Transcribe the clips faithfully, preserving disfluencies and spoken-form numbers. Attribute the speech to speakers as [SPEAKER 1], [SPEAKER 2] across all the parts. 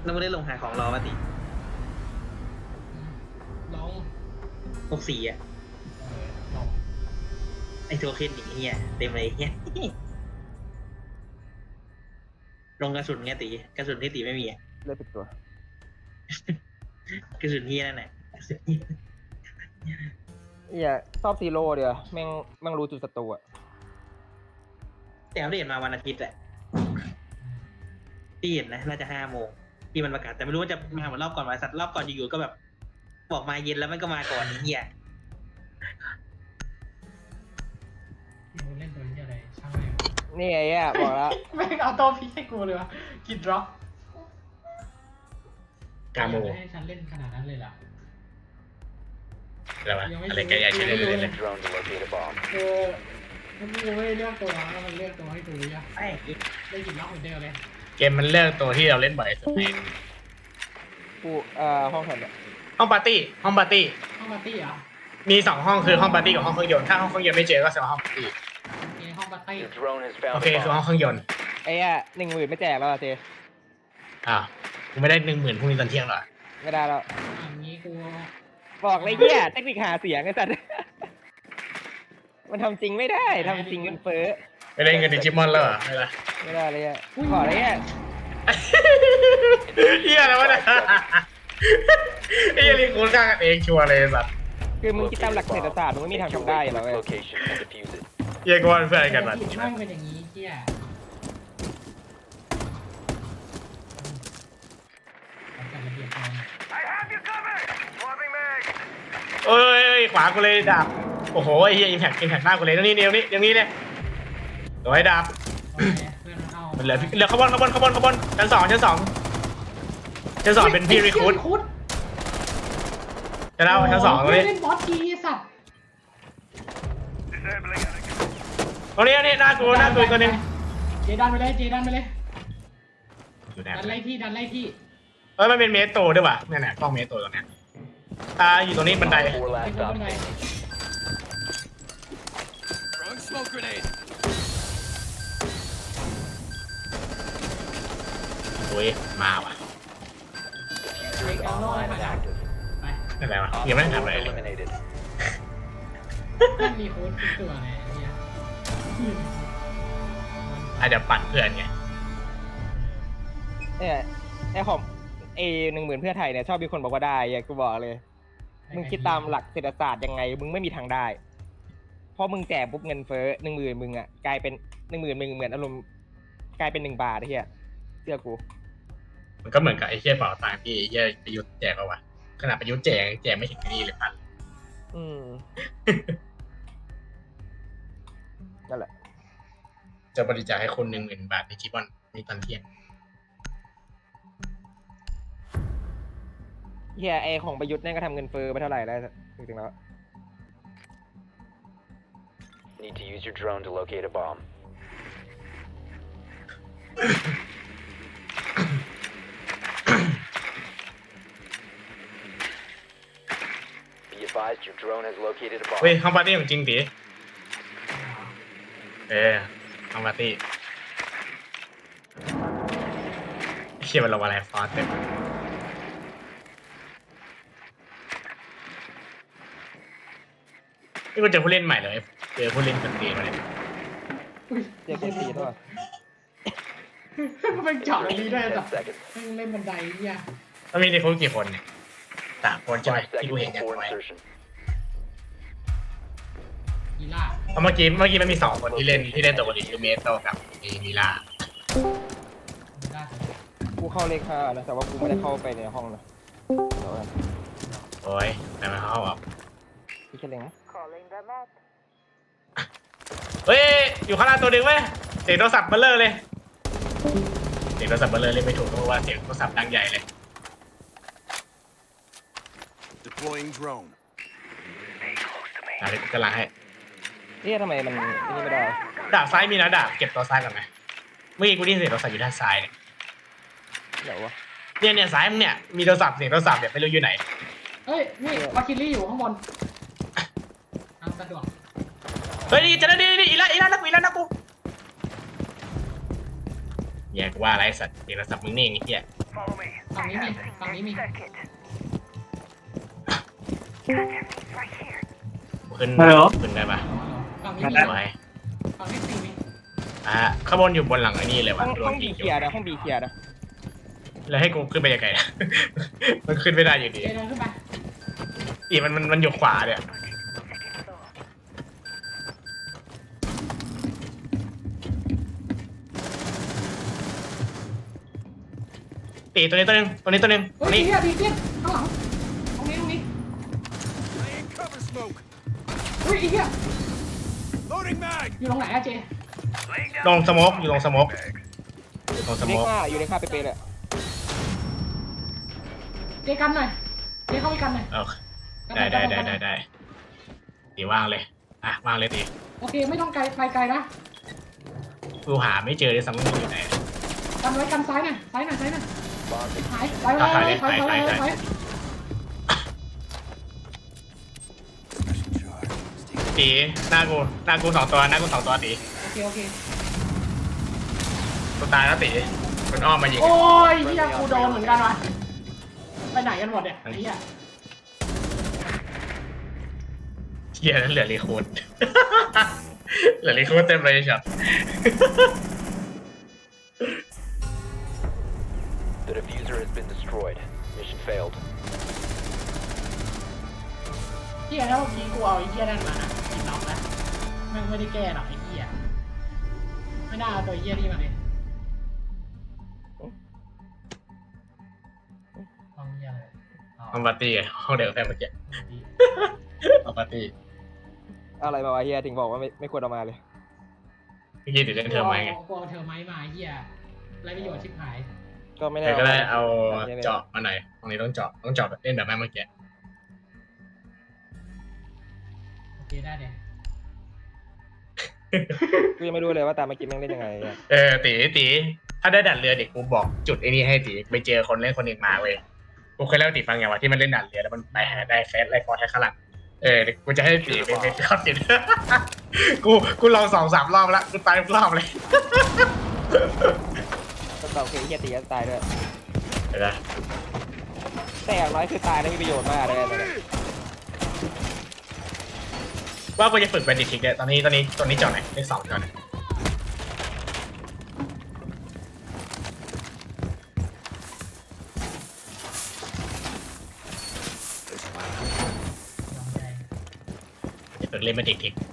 [SPEAKER 1] แล้วไม่ได้ลงหาของรอมาติ
[SPEAKER 2] ลอง
[SPEAKER 1] หกสี่อ่ะ
[SPEAKER 2] เออลอง
[SPEAKER 1] ไอโทเค็นอย่างเงี้ยเต็มเลยเงี้ยลงกระสุนไงตีกระสุนที่ตีไม่มีอ่ะ
[SPEAKER 3] เลือดปิดตัว
[SPEAKER 1] กระสุนที่นั่นแหละ
[SPEAKER 3] เฮียชอบซีโร่เดียวแม่งแม่งรู้จุดศัตรูอะ
[SPEAKER 1] แต่อัปเดตมาวันอาทิตย์แหละที่เห็นนะน่าจะห้าโมงที่มันประกาศแต่ไม่รู้ว่าจะมาเหมือนรอบก่อนมาสัตว์รอบก่อนอยู่ๆก็แบบบอกมาเย็นแล้วมันก็มาก่อนเฮีย
[SPEAKER 2] ที่มึงเล่นตัวนี้อะไรช่างแม่ง
[SPEAKER 3] นี่ไอ้เหี้ยบอกแล้ว
[SPEAKER 2] แม่งเอาตัวพีให้กูเลยวะกินดรอป
[SPEAKER 4] กาโม
[SPEAKER 2] ไม่ให้ฉันเล่นขนาดนั้นเลยล่ะ
[SPEAKER 4] อะไรวะอะไรแกอยากใช้เล่นเล่นเลย
[SPEAKER 5] Drone to locate a bomb.
[SPEAKER 2] เออมันกูไม่ได้เลือกตัวแล้วมันเลือกตัวให้กูยะ
[SPEAKER 1] ไอ้
[SPEAKER 2] ได้กินล็อกเหมือนเดิมเลย
[SPEAKER 4] เกมมันเลือกตัวที่เราเล่นบ่อยสุดใน
[SPEAKER 3] กูเอ่อห้องแถวเนี่ย
[SPEAKER 4] ห้องปาร์ตี้ห้องปาร์ตี้
[SPEAKER 2] ห้องปาร์ตี้เหรอ
[SPEAKER 4] มีสองห้องคือห้องปาร์ตี้กับห้องเครื่องยนต์ถ้าห้องเครื่องยนต์ไม่เจอก็แสดงว่าห้องปาร์ตี้
[SPEAKER 2] โอเคห้องปาร์ตี้
[SPEAKER 5] Your drone has
[SPEAKER 4] โอ
[SPEAKER 5] found
[SPEAKER 4] เค
[SPEAKER 5] a
[SPEAKER 4] คือห้อง
[SPEAKER 5] bomb.
[SPEAKER 4] เครื่องยนต์
[SPEAKER 3] ไอ้เหี้ยหนึ่งหมื่นไม่แจกแล้วอะเจ
[SPEAKER 4] อ่าวกูไม่ได้หนึ่งหมื่นพรุ่งนี้ตอนเที่ยงหรอ
[SPEAKER 3] ไม่ได้แล้ว
[SPEAKER 2] อันนี้กู
[SPEAKER 3] บอกเลยเหี้ยเทคนิคหาเสียงไอ้สัตว์ มันทำจริงไม่ได้ทำจริงเงินเฟ้อ
[SPEAKER 4] ไม่ได้เงินดิจิมอนแล้วเหรอไม่ได้
[SPEAKER 3] ไม่ได้เลยอ่ะบอกเลยอ่ะ
[SPEAKER 4] เฮียอะไรวะเนี่ยไอ้เหี้ยนี่คุณฆ่ากันเองชัวร์เลยสัตว์
[SPEAKER 3] คือมึงคิดตามหลักเศรษฐศาสตร์มึงไม่มีทาง
[SPEAKER 5] Make your
[SPEAKER 3] ทำได้
[SPEAKER 5] way
[SPEAKER 3] อยู่
[SPEAKER 5] to
[SPEAKER 3] แล้ว
[SPEAKER 5] its
[SPEAKER 3] เว้ย
[SPEAKER 5] location and defuse it.
[SPEAKER 4] เฮียกูว่าเป็นเพื่อนกันมา
[SPEAKER 2] ผิดแม่งเป็นอย่างนี้เที่ยจัดระเบียบการ
[SPEAKER 4] เอ้ยขวากูเลยดาบโอ้โหไอ้เฮียอิมแพคอิมแพคหน้ากูเลยตรงนี้เดี๋ยวนี้เดี๋ยวนี้เลยโดยดาบ
[SPEAKER 2] โอเคเพื่อนมันเอา
[SPEAKER 4] มันเหลือเหลือขบวนขบวนขบวนขบวนชั้นสองชั้นสองชั้นสองเป็นพี่รีคูด
[SPEAKER 2] คูด
[SPEAKER 4] จะเล่าชั้นสองตรงนี้
[SPEAKER 2] เล่นบอสทีสัตว์
[SPEAKER 4] ตรงนี้นี่หน้ากูหน้ากูตัวนึง
[SPEAKER 2] เจดันไปเลยเจดันไปเลย
[SPEAKER 4] อยู่ไหน
[SPEAKER 2] ดันไล่ที่ดันไล่ที่
[SPEAKER 4] เอ้ยมันเป็นเมโตรด้วยว่ะนี่นแหละกล้องเมโตรตรงเนี้ยอ่าอยู่ตรงนี้บันได
[SPEAKER 5] Four
[SPEAKER 2] ไป
[SPEAKER 5] last
[SPEAKER 2] คน
[SPEAKER 5] stop
[SPEAKER 2] บันได
[SPEAKER 4] โอ้ยมาว่ะ
[SPEAKER 5] Diffuser is online and active.
[SPEAKER 2] ไป
[SPEAKER 4] นั่นแหละวะ
[SPEAKER 5] Op
[SPEAKER 4] ยังไม่ได้
[SPEAKER 5] four
[SPEAKER 4] ทำอะไรเลย
[SPEAKER 5] eliminated.
[SPEAKER 2] มันมีโค้ดทุกตัวเลยไอ้เหี้ย
[SPEAKER 4] อาจจะปั่นเพื่อนไง
[SPEAKER 3] เนี่ยไอ้ของเอหนึ่งหมื่นเพื่อไทยเนี่ยชอบมีคนบอกว่าได้อย่ากูบอกเลย มึงคิดตามหลักเศรษฐศาสตร์ยังไง มึงไม่มีทางได้ เพราะมึงแจกปุ๊บเงินเฟ้อหนึ่งหมื่นมึงอ่ะกลายเป็นหนึ่งหมื่นมึงเหมือนอารมณ์กลายเป็นหนึ่งบาทไอ้เหี้ยเชื่อกู
[SPEAKER 4] มันก็เหมือนกับไอ้เหี้ยเป่าตังค์ที่ไอ้เหี้ยประยุทธ์แจกเอาวะขนาดประยุทธ์แจกแจกไม่ถึงนี่เลยพัน
[SPEAKER 3] อืมนั่นแหละ
[SPEAKER 4] จะบริจาคให้คนหนึ่งหมื่นบาทในคลิปวันในตอนเที่ยง
[SPEAKER 3] เฮียไอของประยุทธ์เนี่ยก็ทำเงินเฟ้อไปเท่าไหร่แล้วจริงๆแล้ว
[SPEAKER 5] Need to use your drone to locate a bomb. Be advised your drone has located a
[SPEAKER 4] เฮ้ย
[SPEAKER 5] bomb.
[SPEAKER 4] ห้องปาร์ตี้ของจริงดิเออห้องปาร์ตี้ไอ้เชี่ยมันระวังอะไรฟอสเต็มนี่กูเจอผู้เล่นใหม่เลยเจอผู้เล่นคนตีมาเลย
[SPEAKER 3] เจ็ดเจ็ดสี่ตัว
[SPEAKER 2] มันเป็นเจาะอย่างนี้ได้
[SPEAKER 5] Ten
[SPEAKER 2] แบบ
[SPEAKER 5] seconds.
[SPEAKER 2] เล่นบันไดเนี่ย
[SPEAKER 4] มันมีในคุกกี่คนเนี่ยสามคนใช่ไหม
[SPEAKER 5] Five
[SPEAKER 4] ที่กู
[SPEAKER 5] seconds
[SPEAKER 4] เห็นอย่าง
[SPEAKER 5] before
[SPEAKER 4] น้อย
[SPEAKER 5] insertion.
[SPEAKER 2] กีฬา
[SPEAKER 4] เพราะเมื่อกี้เมื่อกี้มันมีสองคนที่เล่นที่เล่นตัวบริคือเมสโตกับมีมิล่า
[SPEAKER 2] กีฬา
[SPEAKER 3] กูเข้าเลขห้านะแต่ว่ากูไม่ได้เข้าไปในห้องนะเดี๋ยวกัน
[SPEAKER 4] โอ้ยแต่มันเข้าอ่ะ
[SPEAKER 3] พี่แค่เล็งนะ
[SPEAKER 4] เฮ้ยอยู่ข้างล่างตัวหนึ่งเว้ยเสียงโทรศัพท์เบลเลอร์เลยเสียงโทรศัพท์เบลเลอร์เล่นไม่ถูกเพราะว่าเสียงโทรศัพท์ดังใหญ่เลย
[SPEAKER 6] Deploying drone.
[SPEAKER 4] อะไรกูกำลังให้
[SPEAKER 3] เอ๊ะทำไมมันอันนี่ไม่ได้
[SPEAKER 4] ดาบซ้ายมีนะดาบเก็บตัวซ้ายก่อนไหมเมื่อกี้กูได้ยินเสียงโทรศัพท์อยู่ด้านซ้ายเนี่ย
[SPEAKER 3] เดี๋ยววะ
[SPEAKER 4] เนี่ยเนี่ยซ้ายมึงเนี่ยมีโทรศัพท์เสียงโทรศัพท์เนี่ยไม่รู้อยู่ไหน
[SPEAKER 2] เอ้ยนี่วาคิลี่อยู่ข้างบนเอาสะดวก
[SPEAKER 4] เฮ้ยนี่จะได้ดีดีอีละอีละนักกูอีละนักกูแย่กูว่าอะไรสัตว์เสียงโทรศัพท์มึงนี่ไอ้เหี้ย
[SPEAKER 2] ฝั่งนี้มีฝั่งนี้มี
[SPEAKER 4] ขึ้น
[SPEAKER 7] ฮัลโหล
[SPEAKER 4] ขึ้นได้ปะ
[SPEAKER 2] ฝั่งนี้มี
[SPEAKER 4] สวย
[SPEAKER 2] ฝั่งนี้สี่มี
[SPEAKER 4] อ่ะข้างบนอยู่บนหลังไอ้นี่เลย
[SPEAKER 3] ห้
[SPEAKER 4] ว่ะ
[SPEAKER 3] อง
[SPEAKER 4] โด
[SPEAKER 3] ห้อน งบี
[SPEAKER 4] ยิง
[SPEAKER 3] เคลียร์นะห้องบีเคลียร์นะ
[SPEAKER 4] แล้วให้กูขึ้นไปยังไงอะ มันขึ้นไม่ได้อยู่ดี
[SPEAKER 2] เจเดินขึ้นไป
[SPEAKER 4] อีมันมันมันอยู่ขวาเนี่ยตีตัวนี้ตัวหนึงตัวนี้ตัวหนึงตั
[SPEAKER 2] เฮ้
[SPEAKER 4] วย นี้
[SPEAKER 2] เฮียดีเตี้ยข้างหลังตรงนี้ตรงนี้
[SPEAKER 6] Laying cover smoke.
[SPEAKER 2] เฮ้ยไอ้เฮีย
[SPEAKER 6] Loading mag.
[SPEAKER 2] อยู่ตรงไหนอะเจ
[SPEAKER 4] ลงสโมกอยู่ลงสโมกอยู่ลงส
[SPEAKER 3] เล็
[SPEAKER 4] โม
[SPEAKER 3] ก
[SPEAKER 4] ก
[SPEAKER 3] ห้าอยู่ในค่าเป๊ะๆเลย
[SPEAKER 2] เจกันหน่อยเจเข้าไปกันหน่อย
[SPEAKER 4] เออ
[SPEAKER 2] กันห
[SPEAKER 4] ได้
[SPEAKER 2] น่อย
[SPEAKER 4] ได้
[SPEAKER 2] กันห
[SPEAKER 4] ได้
[SPEAKER 2] น่อย
[SPEAKER 4] ได้ได้ตีว่างเลยอ่ะว่างเลยตี
[SPEAKER 2] โอเคไม่ต้องไกลไปไกลนะ
[SPEAKER 4] กูหาไม่เจอเลยซ้ำว่าอยู่ไหน
[SPEAKER 2] กันไว้กันซ้ายหน่อยซ้ายหน่อยซ้ายหน่อย
[SPEAKER 5] Bomb
[SPEAKER 2] หายไปไปไปไปไปไปไป
[SPEAKER 4] ตีหน้ากูหน้ากูสองตัวหน้ากูสองตัวตี
[SPEAKER 2] โอเคโอเค
[SPEAKER 4] กูตายแล้วตีมันอ้อมมายิง
[SPEAKER 2] โอ้ยเฮียกูโดนเหมือนกันว่ะไปไหนกันหมดเนี่ยไอ้เฮีย
[SPEAKER 4] เฮียนั่นเหลือรีคูด เหลือรีคูดเต็มเลยช็อต
[SPEAKER 5] The diffuser has been destroyed. Mission failed.
[SPEAKER 2] เฮียแล้วเมื่อกี้กูเอาไอ้เฮียนั่นมานะกินน็อกนะแม่งไม่ได้แก้หรอกไอ้เฮียไม่น่าเอาตัวเฮียนี่มาเลยห้องเฮียเลย
[SPEAKER 4] ห้องปาร์ตี้อะห้องเดียวกับแฟนเมื่อกี้ ห้องปาร์ตี้
[SPEAKER 3] อะไรมาวะเฮียถึงบอกว่าไม่ไม่ควรเอามาเลย
[SPEAKER 4] เมื่อกี้ติดเล่นเทอมไหมไง
[SPEAKER 2] กูเอาเธอไม้มาเฮียไรประโยชน์ชิบหาย
[SPEAKER 3] ก็ไม่ได้
[SPEAKER 4] เดี๋ยวก็ได้เอา
[SPEAKER 3] เจาะ
[SPEAKER 4] เจาะมาหน่อยตรงนี้ต้องเจาะต้องเจาะแบบเล่นแบบแม่เมื่อกี้
[SPEAKER 2] โอเคได้เดี๋ยว
[SPEAKER 3] กูยังไม่รู้เลยว่าตามมากินแม่งเล่นยังไงอะ
[SPEAKER 4] เออตีตีถ้าได้ดัดเรือเด็กกูบอกจุดไอ้นี่ให้ตีไปเจอคนเล่นคนหนึ่งมาเว้ยกูเคยเล่าให้ตีฟังอย่างว่าที่มันเล่นดัดเรือแล้วมันไปหาได้เฟสไล่ฟอร์ไทยข้างหลังเออเดี๋ยวกูจะให้ตีไปไปเข้าติด กูกูลองสองสามรอบแล้วกูตายทุกรอบเลย
[SPEAKER 3] ก็ตอบคือเฮียตีก็ตายด้วย
[SPEAKER 4] เดี๋ยวนะ
[SPEAKER 3] แต่อย่างน้อยคือตายแล้วมีประโยชน์มากเลยนะ
[SPEAKER 4] ว่ากูจะฝึกเป็นดิทิกเนี่ยตอนนี้ตอนนี้ตอนนี้เจาะไหนเลขสองเจาะไหน จะฝึกเล่นเป็นดิทิก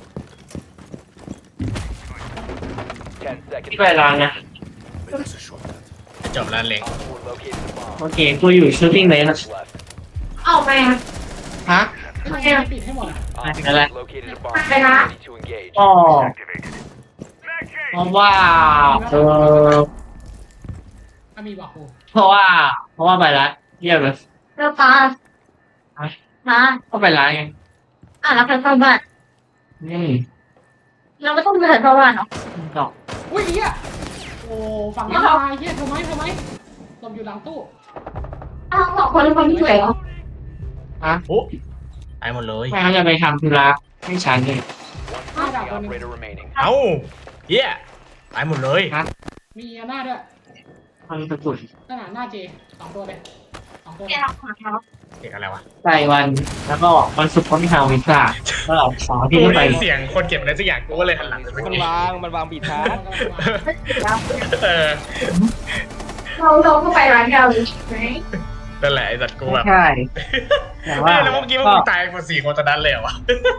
[SPEAKER 5] Ten seconds.
[SPEAKER 7] ที่ไปร้านนะ
[SPEAKER 6] That's a shortcut.
[SPEAKER 4] จบแล้วเล็ง
[SPEAKER 5] Op four located the bomb.
[SPEAKER 7] โอเคกูอยู่ชูตติ้งเลยนะ
[SPEAKER 5] Left.
[SPEAKER 7] เอาไปฮะ
[SPEAKER 2] ไม่ใช่ปิดให้หมดอ่ะ
[SPEAKER 5] Op
[SPEAKER 7] Nice.
[SPEAKER 5] four has located a bomb.
[SPEAKER 7] Nice.
[SPEAKER 5] Ready to engage.
[SPEAKER 7] อ๋อเพราะว่าเออ
[SPEAKER 2] ถ้ามีบอกกู
[SPEAKER 7] เพราะว่าเพราะว่าไปร้านเยี่ยมเลย
[SPEAKER 8] เราปลา
[SPEAKER 7] ฮะ
[SPEAKER 8] ฮะ
[SPEAKER 7] ก็ไปร้านไง
[SPEAKER 8] อ่ะเราไปเข้าบ้าน
[SPEAKER 7] อืม
[SPEAKER 8] เราไม่ต้องไปเข้าบ้านหรอก
[SPEAKER 7] ดอก
[SPEAKER 2] อุ้ยเฮียโอ้ฝั่งนี้ตายเฮียทำไมทำไมหลบอยู่หลังตู้
[SPEAKER 8] อ้าวสองคนเป็นคนที่สวยเหรอ
[SPEAKER 7] ฮะ
[SPEAKER 4] โอ้ตายหมดเลย
[SPEAKER 7] ไม่เขาจะไปทำธุระให้ฉันเลย
[SPEAKER 5] One friendly operator remaining.
[SPEAKER 4] เอ้าเฮียตายหมดเลย
[SPEAKER 2] มีหน้าด้วย
[SPEAKER 7] มันสะกุด
[SPEAKER 2] ขนาดหน้าเจสองตัวเลยสองตัวเล
[SPEAKER 8] แก
[SPEAKER 2] ย
[SPEAKER 8] เราขอเขา
[SPEAKER 4] เด็กอะไรวะ
[SPEAKER 7] ใส่วันแล้วก็วันศุกร์ก็มีทางวิซ่าก็สองที่
[SPEAKER 4] กู
[SPEAKER 7] ไม่ไป
[SPEAKER 4] ได้ยินเสียงคนเก็บอะไรสักอย่างกูก็เลยหันหลังไปเมื่อ
[SPEAKER 3] มัน
[SPEAKER 4] กี้
[SPEAKER 3] วางมันวางบีทชาร์จ
[SPEAKER 4] เออ
[SPEAKER 8] เราเราก็ไปร้านเราไหม
[SPEAKER 4] นั่นแหละไอ้สัตว์กูแบบ
[SPEAKER 7] ใช่แต่ว่า
[SPEAKER 4] เฮ้ยแล้วเมื่อกี้ว่ามึงตายหมดสี่คนตอนนั้นเลยเหรอวะ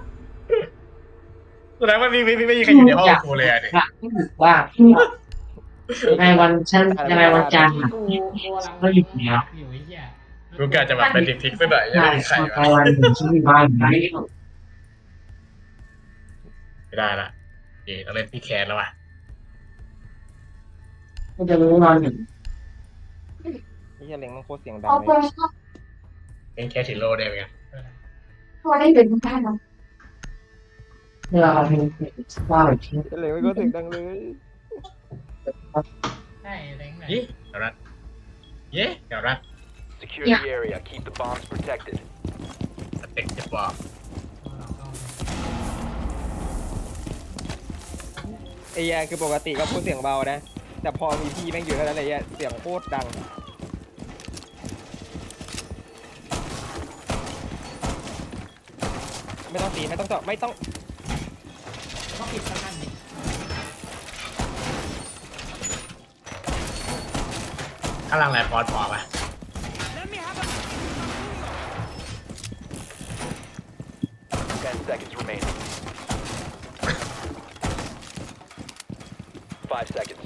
[SPEAKER 4] แสดงว่าไม่ไม่ไม่ไม่มีใครอยู่ในห้องกูเลยอะดิ
[SPEAKER 7] ว่าว่าในวันฉันในวันจันทร์อะ
[SPEAKER 2] กูกูกำลัง
[SPEAKER 7] ก็หยุดแล้ว
[SPEAKER 2] อยู่ไอ้เหี้ย
[SPEAKER 4] กูกะจะแบบเป็นดิทิกสักหน่อยยัง
[SPEAKER 7] ใช่
[SPEAKER 4] ไม่มีใคร
[SPEAKER 7] ใน
[SPEAKER 4] วะ
[SPEAKER 7] วันหนึ่งฉันมีบ้านไหน
[SPEAKER 4] ไม่ได้ละเดี๋ยวต้องเล่นพี่แคนแล้วว่ะ
[SPEAKER 7] ก็จะรู้นอนหนึ่ง
[SPEAKER 3] ไอ้เฮียเล็งมันโคตรเสียงดัง
[SPEAKER 8] เอา
[SPEAKER 3] เล
[SPEAKER 8] ไป
[SPEAKER 3] ย
[SPEAKER 4] เป็นแค่ทิโร่ได้ไหมกัน
[SPEAKER 8] พอได้เป็นบ้านเรา
[SPEAKER 7] เวลาเราเป็นว่าแบบที่
[SPEAKER 3] ไอ้เล็งมันโคตรเสียงดังเลย
[SPEAKER 2] ใช่เล้งไหน
[SPEAKER 4] ยี่เดี๋ยวรัดเย้เดี๋ยวรัด
[SPEAKER 5] Secure the area. Keep the bombs protected.
[SPEAKER 4] สเต็กจะบอก
[SPEAKER 3] ไอ้เฮียคือปกติก็พูดเสียงเบานะ แต่พอมีพี่แม่งอยู่เท่านั้นเลยเฮียเสียงโคตรดังไม่ต้องตีไม่ต้องเจาะไม่ต้อง
[SPEAKER 2] ก็ปิดสักกันดิ
[SPEAKER 4] ข้างล่างไรฟอสพอปะ
[SPEAKER 5] Ten seconds remaining. Five seconds.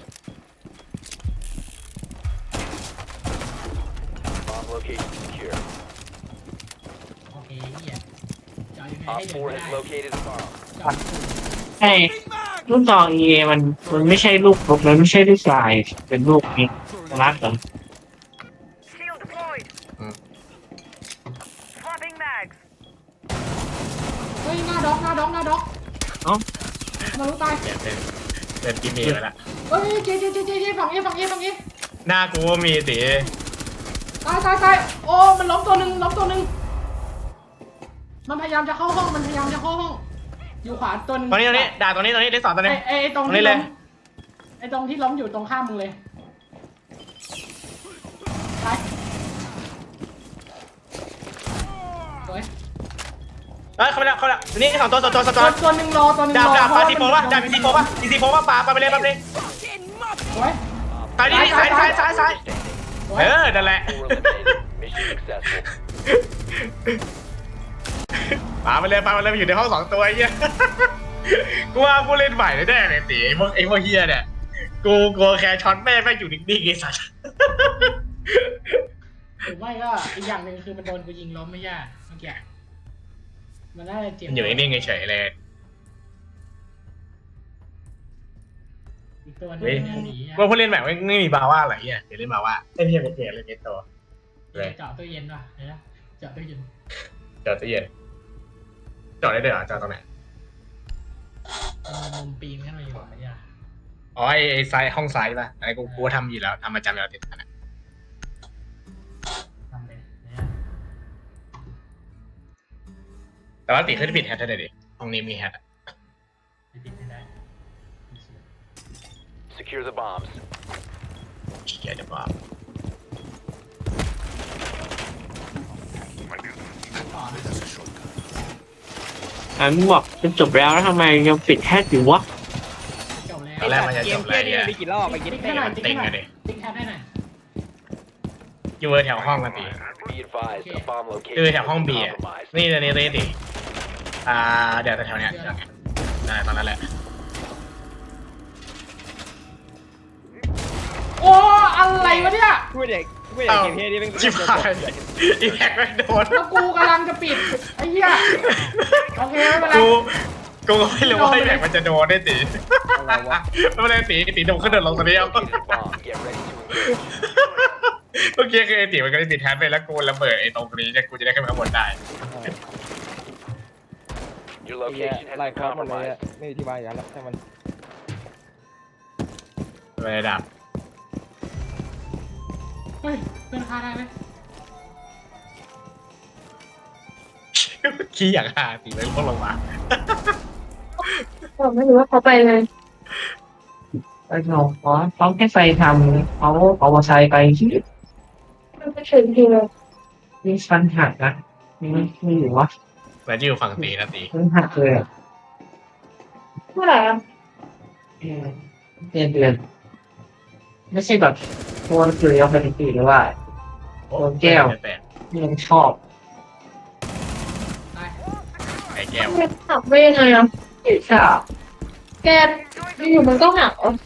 [SPEAKER 5] Bomb location secure.
[SPEAKER 2] โอเคเหี้ยจะเอายังไง
[SPEAKER 5] Op
[SPEAKER 2] ให้เดิน
[SPEAKER 5] four
[SPEAKER 2] ไม่
[SPEAKER 5] has
[SPEAKER 2] ได้
[SPEAKER 5] located a bomb.
[SPEAKER 2] จอด
[SPEAKER 7] ใช่ลูกซองเอมันมันไม่ใช่ลูกรบมันไม่ใช่ลูกทรายเป็นลูกนี้รักเหรอ
[SPEAKER 9] Shield deployed.
[SPEAKER 4] Hmm.
[SPEAKER 9] Swapping mags.
[SPEAKER 2] เฮ้ยหน้าด็อกหน้าด็อกหน้าด็อก
[SPEAKER 7] เอ้า
[SPEAKER 2] มารู้ตาย
[SPEAKER 4] เปลี่ยนเป็นเป็นกิมมี่ไปละ
[SPEAKER 2] เฮ้ยเจ๊เจ๊เจ๊เจ๊เจ๊ฝั่งนี้ฝั่งนี้ฝั่งนี้
[SPEAKER 4] หน้ากูก็มีตี
[SPEAKER 2] ตายตายตายโอ้มันล้มตัวหนึ่งล้มตัวหนึ่งมันพยายามจะเข้าห้องมันพยายามจะเข้าห้องอยู่ขวาตัวหนึง
[SPEAKER 4] ตรงนี้ตรงนี้ด่าตรงนี้ตรงนี้ได้สอนตรง
[SPEAKER 2] ไอ้
[SPEAKER 4] นี้
[SPEAKER 2] ไอ้ไอ้ตรง
[SPEAKER 4] ตรงนี้
[SPEAKER 2] ที่
[SPEAKER 4] เล
[SPEAKER 2] ล้
[SPEAKER 4] ย
[SPEAKER 2] มไอ้ตรงที่ล้มอยู่ตรงข้ามมึงเลยตายสวย
[SPEAKER 4] เอ้ยเข้าไปแล้วเข้าไปแล้วนี่สองตัวสองตัวสอง
[SPEAKER 2] ตั
[SPEAKER 4] ตัว ว
[SPEAKER 2] ตัวหนึ่งรอตัวหนึ่ง
[SPEAKER 4] ดาร บ
[SPEAKER 2] อ
[SPEAKER 4] ดาบ
[SPEAKER 2] เพ
[SPEAKER 4] ปา
[SPEAKER 2] ระ
[SPEAKER 4] ซีโฟป่ะดาบซีโฟป่ะซีโฟป่ะปาปาไปเลยปาไปเลย
[SPEAKER 2] สวย
[SPEAKER 4] ตายนี่ซ้ายซ้ายซ้ายซ้าย
[SPEAKER 2] สวย
[SPEAKER 4] เออนั่นแหละ
[SPEAKER 5] Four eliminated. Mission successful.
[SPEAKER 4] ปาไปเลยปาไปเลยมันอยู่ในห้องสองตัวไอ้เหี้ยกูว่าผู้เล่นใหม่แน่ๆเลยตีไอ้พวกไอ้พวกเฮียเนี่ยกูกลัวแค่ช็อตแม่แม่งอยู่นิ่งๆไอ้สัส
[SPEAKER 2] หรือไม่ก็อีกอย่างหนึ่งคือมันโดนกูยิงล้มไม่ยากเมื่อกี้มันน่าจะเจ็บ
[SPEAKER 4] มันอยู่นิ่งๆเฉยๆเลย
[SPEAKER 2] อีกตัวหนึ
[SPEAKER 4] เฮ้ย
[SPEAKER 2] งหนีอะ
[SPEAKER 4] ว่าผู้เล่นใหม่ไม่ไม่มีบาว่าอะไรเงี้ยเดี๋ยวเล่นบาว่าเล่นเฮียเป็นเกมเล่นเกมโตเลย
[SPEAKER 2] เจาะตู้เย็นว่ะเดี๋ยวนะเจาะตู้เย็น
[SPEAKER 4] จอดตู้เย็นจอดได้ด้วยเหรอจอดตรงไหน
[SPEAKER 2] เอามุมปีนขึ้นมาอยู่ไม่ยาก
[SPEAKER 4] อ๋อไอ้ไอ้ซ้ายห้องซ้ายป่ะไอ้กูกูทำอยู่แล้วทำประจำอยู่แล้วติดกันอะ
[SPEAKER 2] ทำเลยเนี่ย
[SPEAKER 4] แต่ว่าติขึ้นปิดแฮทได้เลยดิห้องนี้มีแฮทอะ
[SPEAKER 2] ไปปิดไม่ได้
[SPEAKER 5] Secure the bombs.
[SPEAKER 4] เกียร์จะบ้า
[SPEAKER 2] ต่อนะ
[SPEAKER 6] That's a shortcut.
[SPEAKER 7] อ่ะมึงบอกจะจบแล้วแล้วทำไมยังปิดแฮชอยู่วะ
[SPEAKER 2] จบแล้ว
[SPEAKER 4] ตอนแรกมันจะ
[SPEAKER 3] เก
[SPEAKER 4] จ
[SPEAKER 3] ม
[SPEAKER 4] บ
[SPEAKER 3] เพี้
[SPEAKER 4] แล้
[SPEAKER 3] ยว นี่
[SPEAKER 4] เนี่ย
[SPEAKER 3] มีกี่รอบไปกิน
[SPEAKER 2] ติ๊ก
[SPEAKER 3] เต้
[SPEAKER 2] ให้หน่อย
[SPEAKER 4] มัน
[SPEAKER 2] ติ๊ก
[SPEAKER 4] เต็
[SPEAKER 2] ให้
[SPEAKER 4] ง
[SPEAKER 2] หน่อย
[SPEAKER 4] อะดิ
[SPEAKER 2] ติ๊กแคปให้หน่อย
[SPEAKER 4] อยู่เวอร์แถวห้องกันตี
[SPEAKER 5] Be advised, a bomb
[SPEAKER 4] คือ
[SPEAKER 5] location
[SPEAKER 4] แถวห้อง
[SPEAKER 5] has
[SPEAKER 4] บี
[SPEAKER 5] been
[SPEAKER 4] อ่ะ
[SPEAKER 5] compromised.
[SPEAKER 4] นี่ตัวนี้ตัวนี้ดิอ่าเดี๋ยวแถวๆเนี้ยแถวๆเนี้ยได้ตอนนั้นแหละ
[SPEAKER 2] โอ้อะไรวะเนี่ย
[SPEAKER 3] กูเด็กกูเด็กเกมเพี้ยนี่เป็น
[SPEAKER 4] ชิบหายอีแฮกไม่โดน
[SPEAKER 2] แล้วกูกำลังจะปิดไอ้เหี้ยโอเคไม่เป็นไร
[SPEAKER 4] กูกูก็ไม่รู้ว่าไอ้แฮกมันจะโดนได้ตี
[SPEAKER 3] อะไรวะ
[SPEAKER 4] ไม่เป็นไรตีตีโดนขึ้นเดินลงตัวนี้เอา
[SPEAKER 5] Located a bomb. Get ready to engage.
[SPEAKER 4] เมื่อกี้คือไอ้ตีมันก็ได้ติดแฮทไปแล้วกูระเบิดไอ้ตรงนี้จะกูจะได้ขึ้นไปข้างบนได้
[SPEAKER 5] Your
[SPEAKER 3] ไอ้เหี้ย
[SPEAKER 5] location has
[SPEAKER 3] ไล่
[SPEAKER 5] been
[SPEAKER 3] คอร์สหมดเลยอะ
[SPEAKER 5] compromised.
[SPEAKER 3] ไม่มีที่วางอย่างนั้นแล้วใช่มัน
[SPEAKER 4] ไม่ได้ดับ
[SPEAKER 2] เฮ้ยเป็นค่าได้ไหม
[SPEAKER 4] ขี้อย่างห่าตีไปพวกลงมา
[SPEAKER 8] ผมไม่รู้ว่าเขาไปเลย
[SPEAKER 7] ไอ้หนูขอเขาแค่ไปทำเขาเอามอเตอร์ไซค์ไปที่
[SPEAKER 8] มันไปถึงทีเลย
[SPEAKER 7] นี่ฟันหักนะนี่ไม่อยู่วะ
[SPEAKER 4] แล้วจะอยู่ฝั่งตีนะตี
[SPEAKER 7] ฟันหักเลยอ่ะ
[SPEAKER 8] เมื่อไหร่อะ
[SPEAKER 7] เออเดือนเดือนไม่ใช่แบบโคนคือเอาไปตีหรือว่า โอ้แก้ว
[SPEAKER 4] แปลก
[SPEAKER 7] ที่เราชอบ
[SPEAKER 2] ตาย
[SPEAKER 4] ไอ้แก้ว
[SPEAKER 8] มันหักไปยังไงอ่ะอีกอ่ะแกอยู่มันก็หักอ่ะ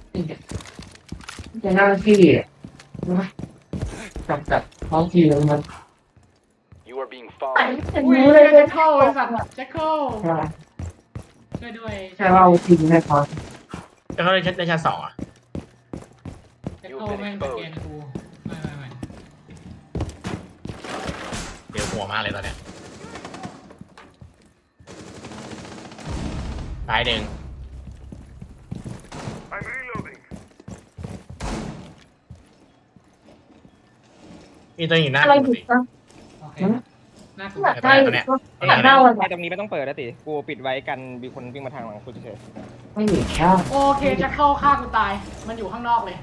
[SPEAKER 7] จะหน้าที่นะกับกับท้องที่แล้วมัน
[SPEAKER 5] You are being
[SPEAKER 8] ไหน
[SPEAKER 5] followed.
[SPEAKER 8] เห็น
[SPEAKER 2] อุ้ย
[SPEAKER 8] รู้เลย
[SPEAKER 2] แจ็คเกิลไอ้สัตว์แจ็คเกิล
[SPEAKER 7] ใช่
[SPEAKER 2] ช่วยด้วย
[SPEAKER 7] ใช่ว่าเอาทิ้งให้เขา
[SPEAKER 4] แล้วเขาได้ชั้นได้ชั้นสองอ่ะ
[SPEAKER 2] แจ็คเกิลแม่งสแกนกูไม่ไม่ไม่
[SPEAKER 4] เดี๋ยวหัวมากเลยตอนเนี้ยท้ายหนึ่ง
[SPEAKER 6] I'm reloading.
[SPEAKER 4] มีตัวอยู่หน้า
[SPEAKER 8] อะไร
[SPEAKER 4] กู
[SPEAKER 8] ผิด
[SPEAKER 4] สิ
[SPEAKER 8] ปะ
[SPEAKER 2] โอเคน่ากลัว
[SPEAKER 8] หักได้หรือเปล่าหักได้วัน
[SPEAKER 3] ไอ้ตรงนี้ไม่ต้องเปิดนะติกูปิดไว้กันมีคนวิ่งมาทางหลังกูเฉย
[SPEAKER 7] ไม่หนีแค่
[SPEAKER 2] โอเคแจ็คเกิลฆ่ากูตาย มันอยู่ข้างนอกเลย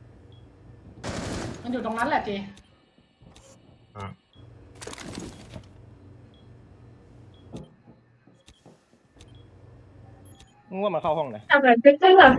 [SPEAKER 2] มันอยู่ตรงนั้นแหละเจ
[SPEAKER 4] อ่ะ
[SPEAKER 3] มึงว่ามันเข้าห้องนะ
[SPEAKER 8] ทำแบบเป็นก็แบบ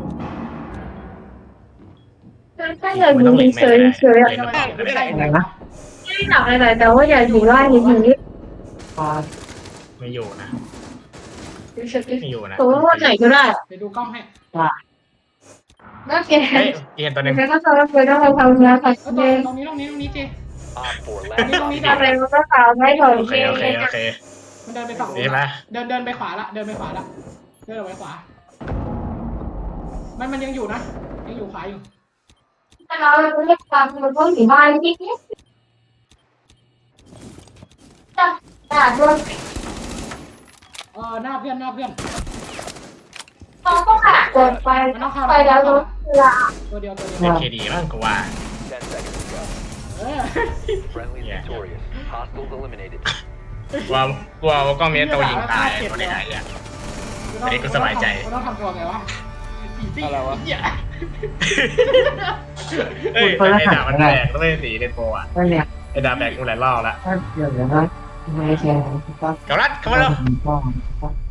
[SPEAKER 8] ถ้าอยากอยู่เฉยๆเฉยๆอะ
[SPEAKER 4] เล่นน้ำเปล่าก็ไม่ได้
[SPEAKER 7] อะไรนะ
[SPEAKER 8] ไม่ได้หนักอะไรแต่ว่าอยากอยู่บ้านอย่างนี้
[SPEAKER 7] พอ
[SPEAKER 4] ไม่อยู่นะ
[SPEAKER 8] เฉย
[SPEAKER 4] ไม่อยู่นะ
[SPEAKER 8] ๆผมว่าวันไหนก็ได้
[SPEAKER 2] ไปดูกล้องให้
[SPEAKER 8] น่าแก
[SPEAKER 4] เฮ้ยเห็นตัวหนึ่ง
[SPEAKER 8] แล้วก็จะไปต้องไปทำงานผัด
[SPEAKER 2] เออต
[SPEAKER 8] เย็น
[SPEAKER 2] รงนี้ตรงนี้ตรงนี้เจ
[SPEAKER 5] Op four
[SPEAKER 2] ตรง
[SPEAKER 5] last
[SPEAKER 2] นี้ตรงนี้
[SPEAKER 5] stop
[SPEAKER 8] อะไรมันก็ตามไม่ถอย
[SPEAKER 4] โอเคโอเคโอเค
[SPEAKER 2] มันเดินไปฝั่งนู้
[SPEAKER 4] ดี
[SPEAKER 2] น
[SPEAKER 4] ไหม
[SPEAKER 2] ละเดินเดินไปขวาละเดินไปขวาละเดินออกไปขวา มันมันยังอยู่นะยังอยู่ขวาอยู่
[SPEAKER 8] แต่เราไม่ได้ตามมันก็อยู่บ้านที่นี่จับจับด้วย
[SPEAKER 2] เออหน้าเพื่อนหน้าเพื่อน
[SPEAKER 8] เขาก็ขาดเกินไปไปแล้วรถเวลา
[SPEAKER 2] ตัวเดียวตัวเดียว
[SPEAKER 4] เป็นเคดีมั้งกูว่า
[SPEAKER 5] ten seconds to go.
[SPEAKER 2] เออ
[SPEAKER 5] Friendly
[SPEAKER 4] Yeah.
[SPEAKER 5] victorious. Hostiles eliminated.
[SPEAKER 4] กลัวกลัวว่ากล้องนี้ตัวยิงตายตัวไหนๆอ่ะ อันนี้กูสบายใจ
[SPEAKER 2] มันต้องทำตัวไงวะอีซี่
[SPEAKER 3] อะไรวะ
[SPEAKER 2] เหี้ย
[SPEAKER 4] เอ้ยไอ้ดาบมันแตกต้องไม่สีในโปรอ่ะ
[SPEAKER 7] ก็เนี่ย
[SPEAKER 4] ไอ้ดาบแตกกูหลายรอบแล้ว
[SPEAKER 7] ถ้าเดี๋ยวนะไม่ใช่ก็
[SPEAKER 4] เกาลัดเข้ามาแล้ว
[SPEAKER 7] ก็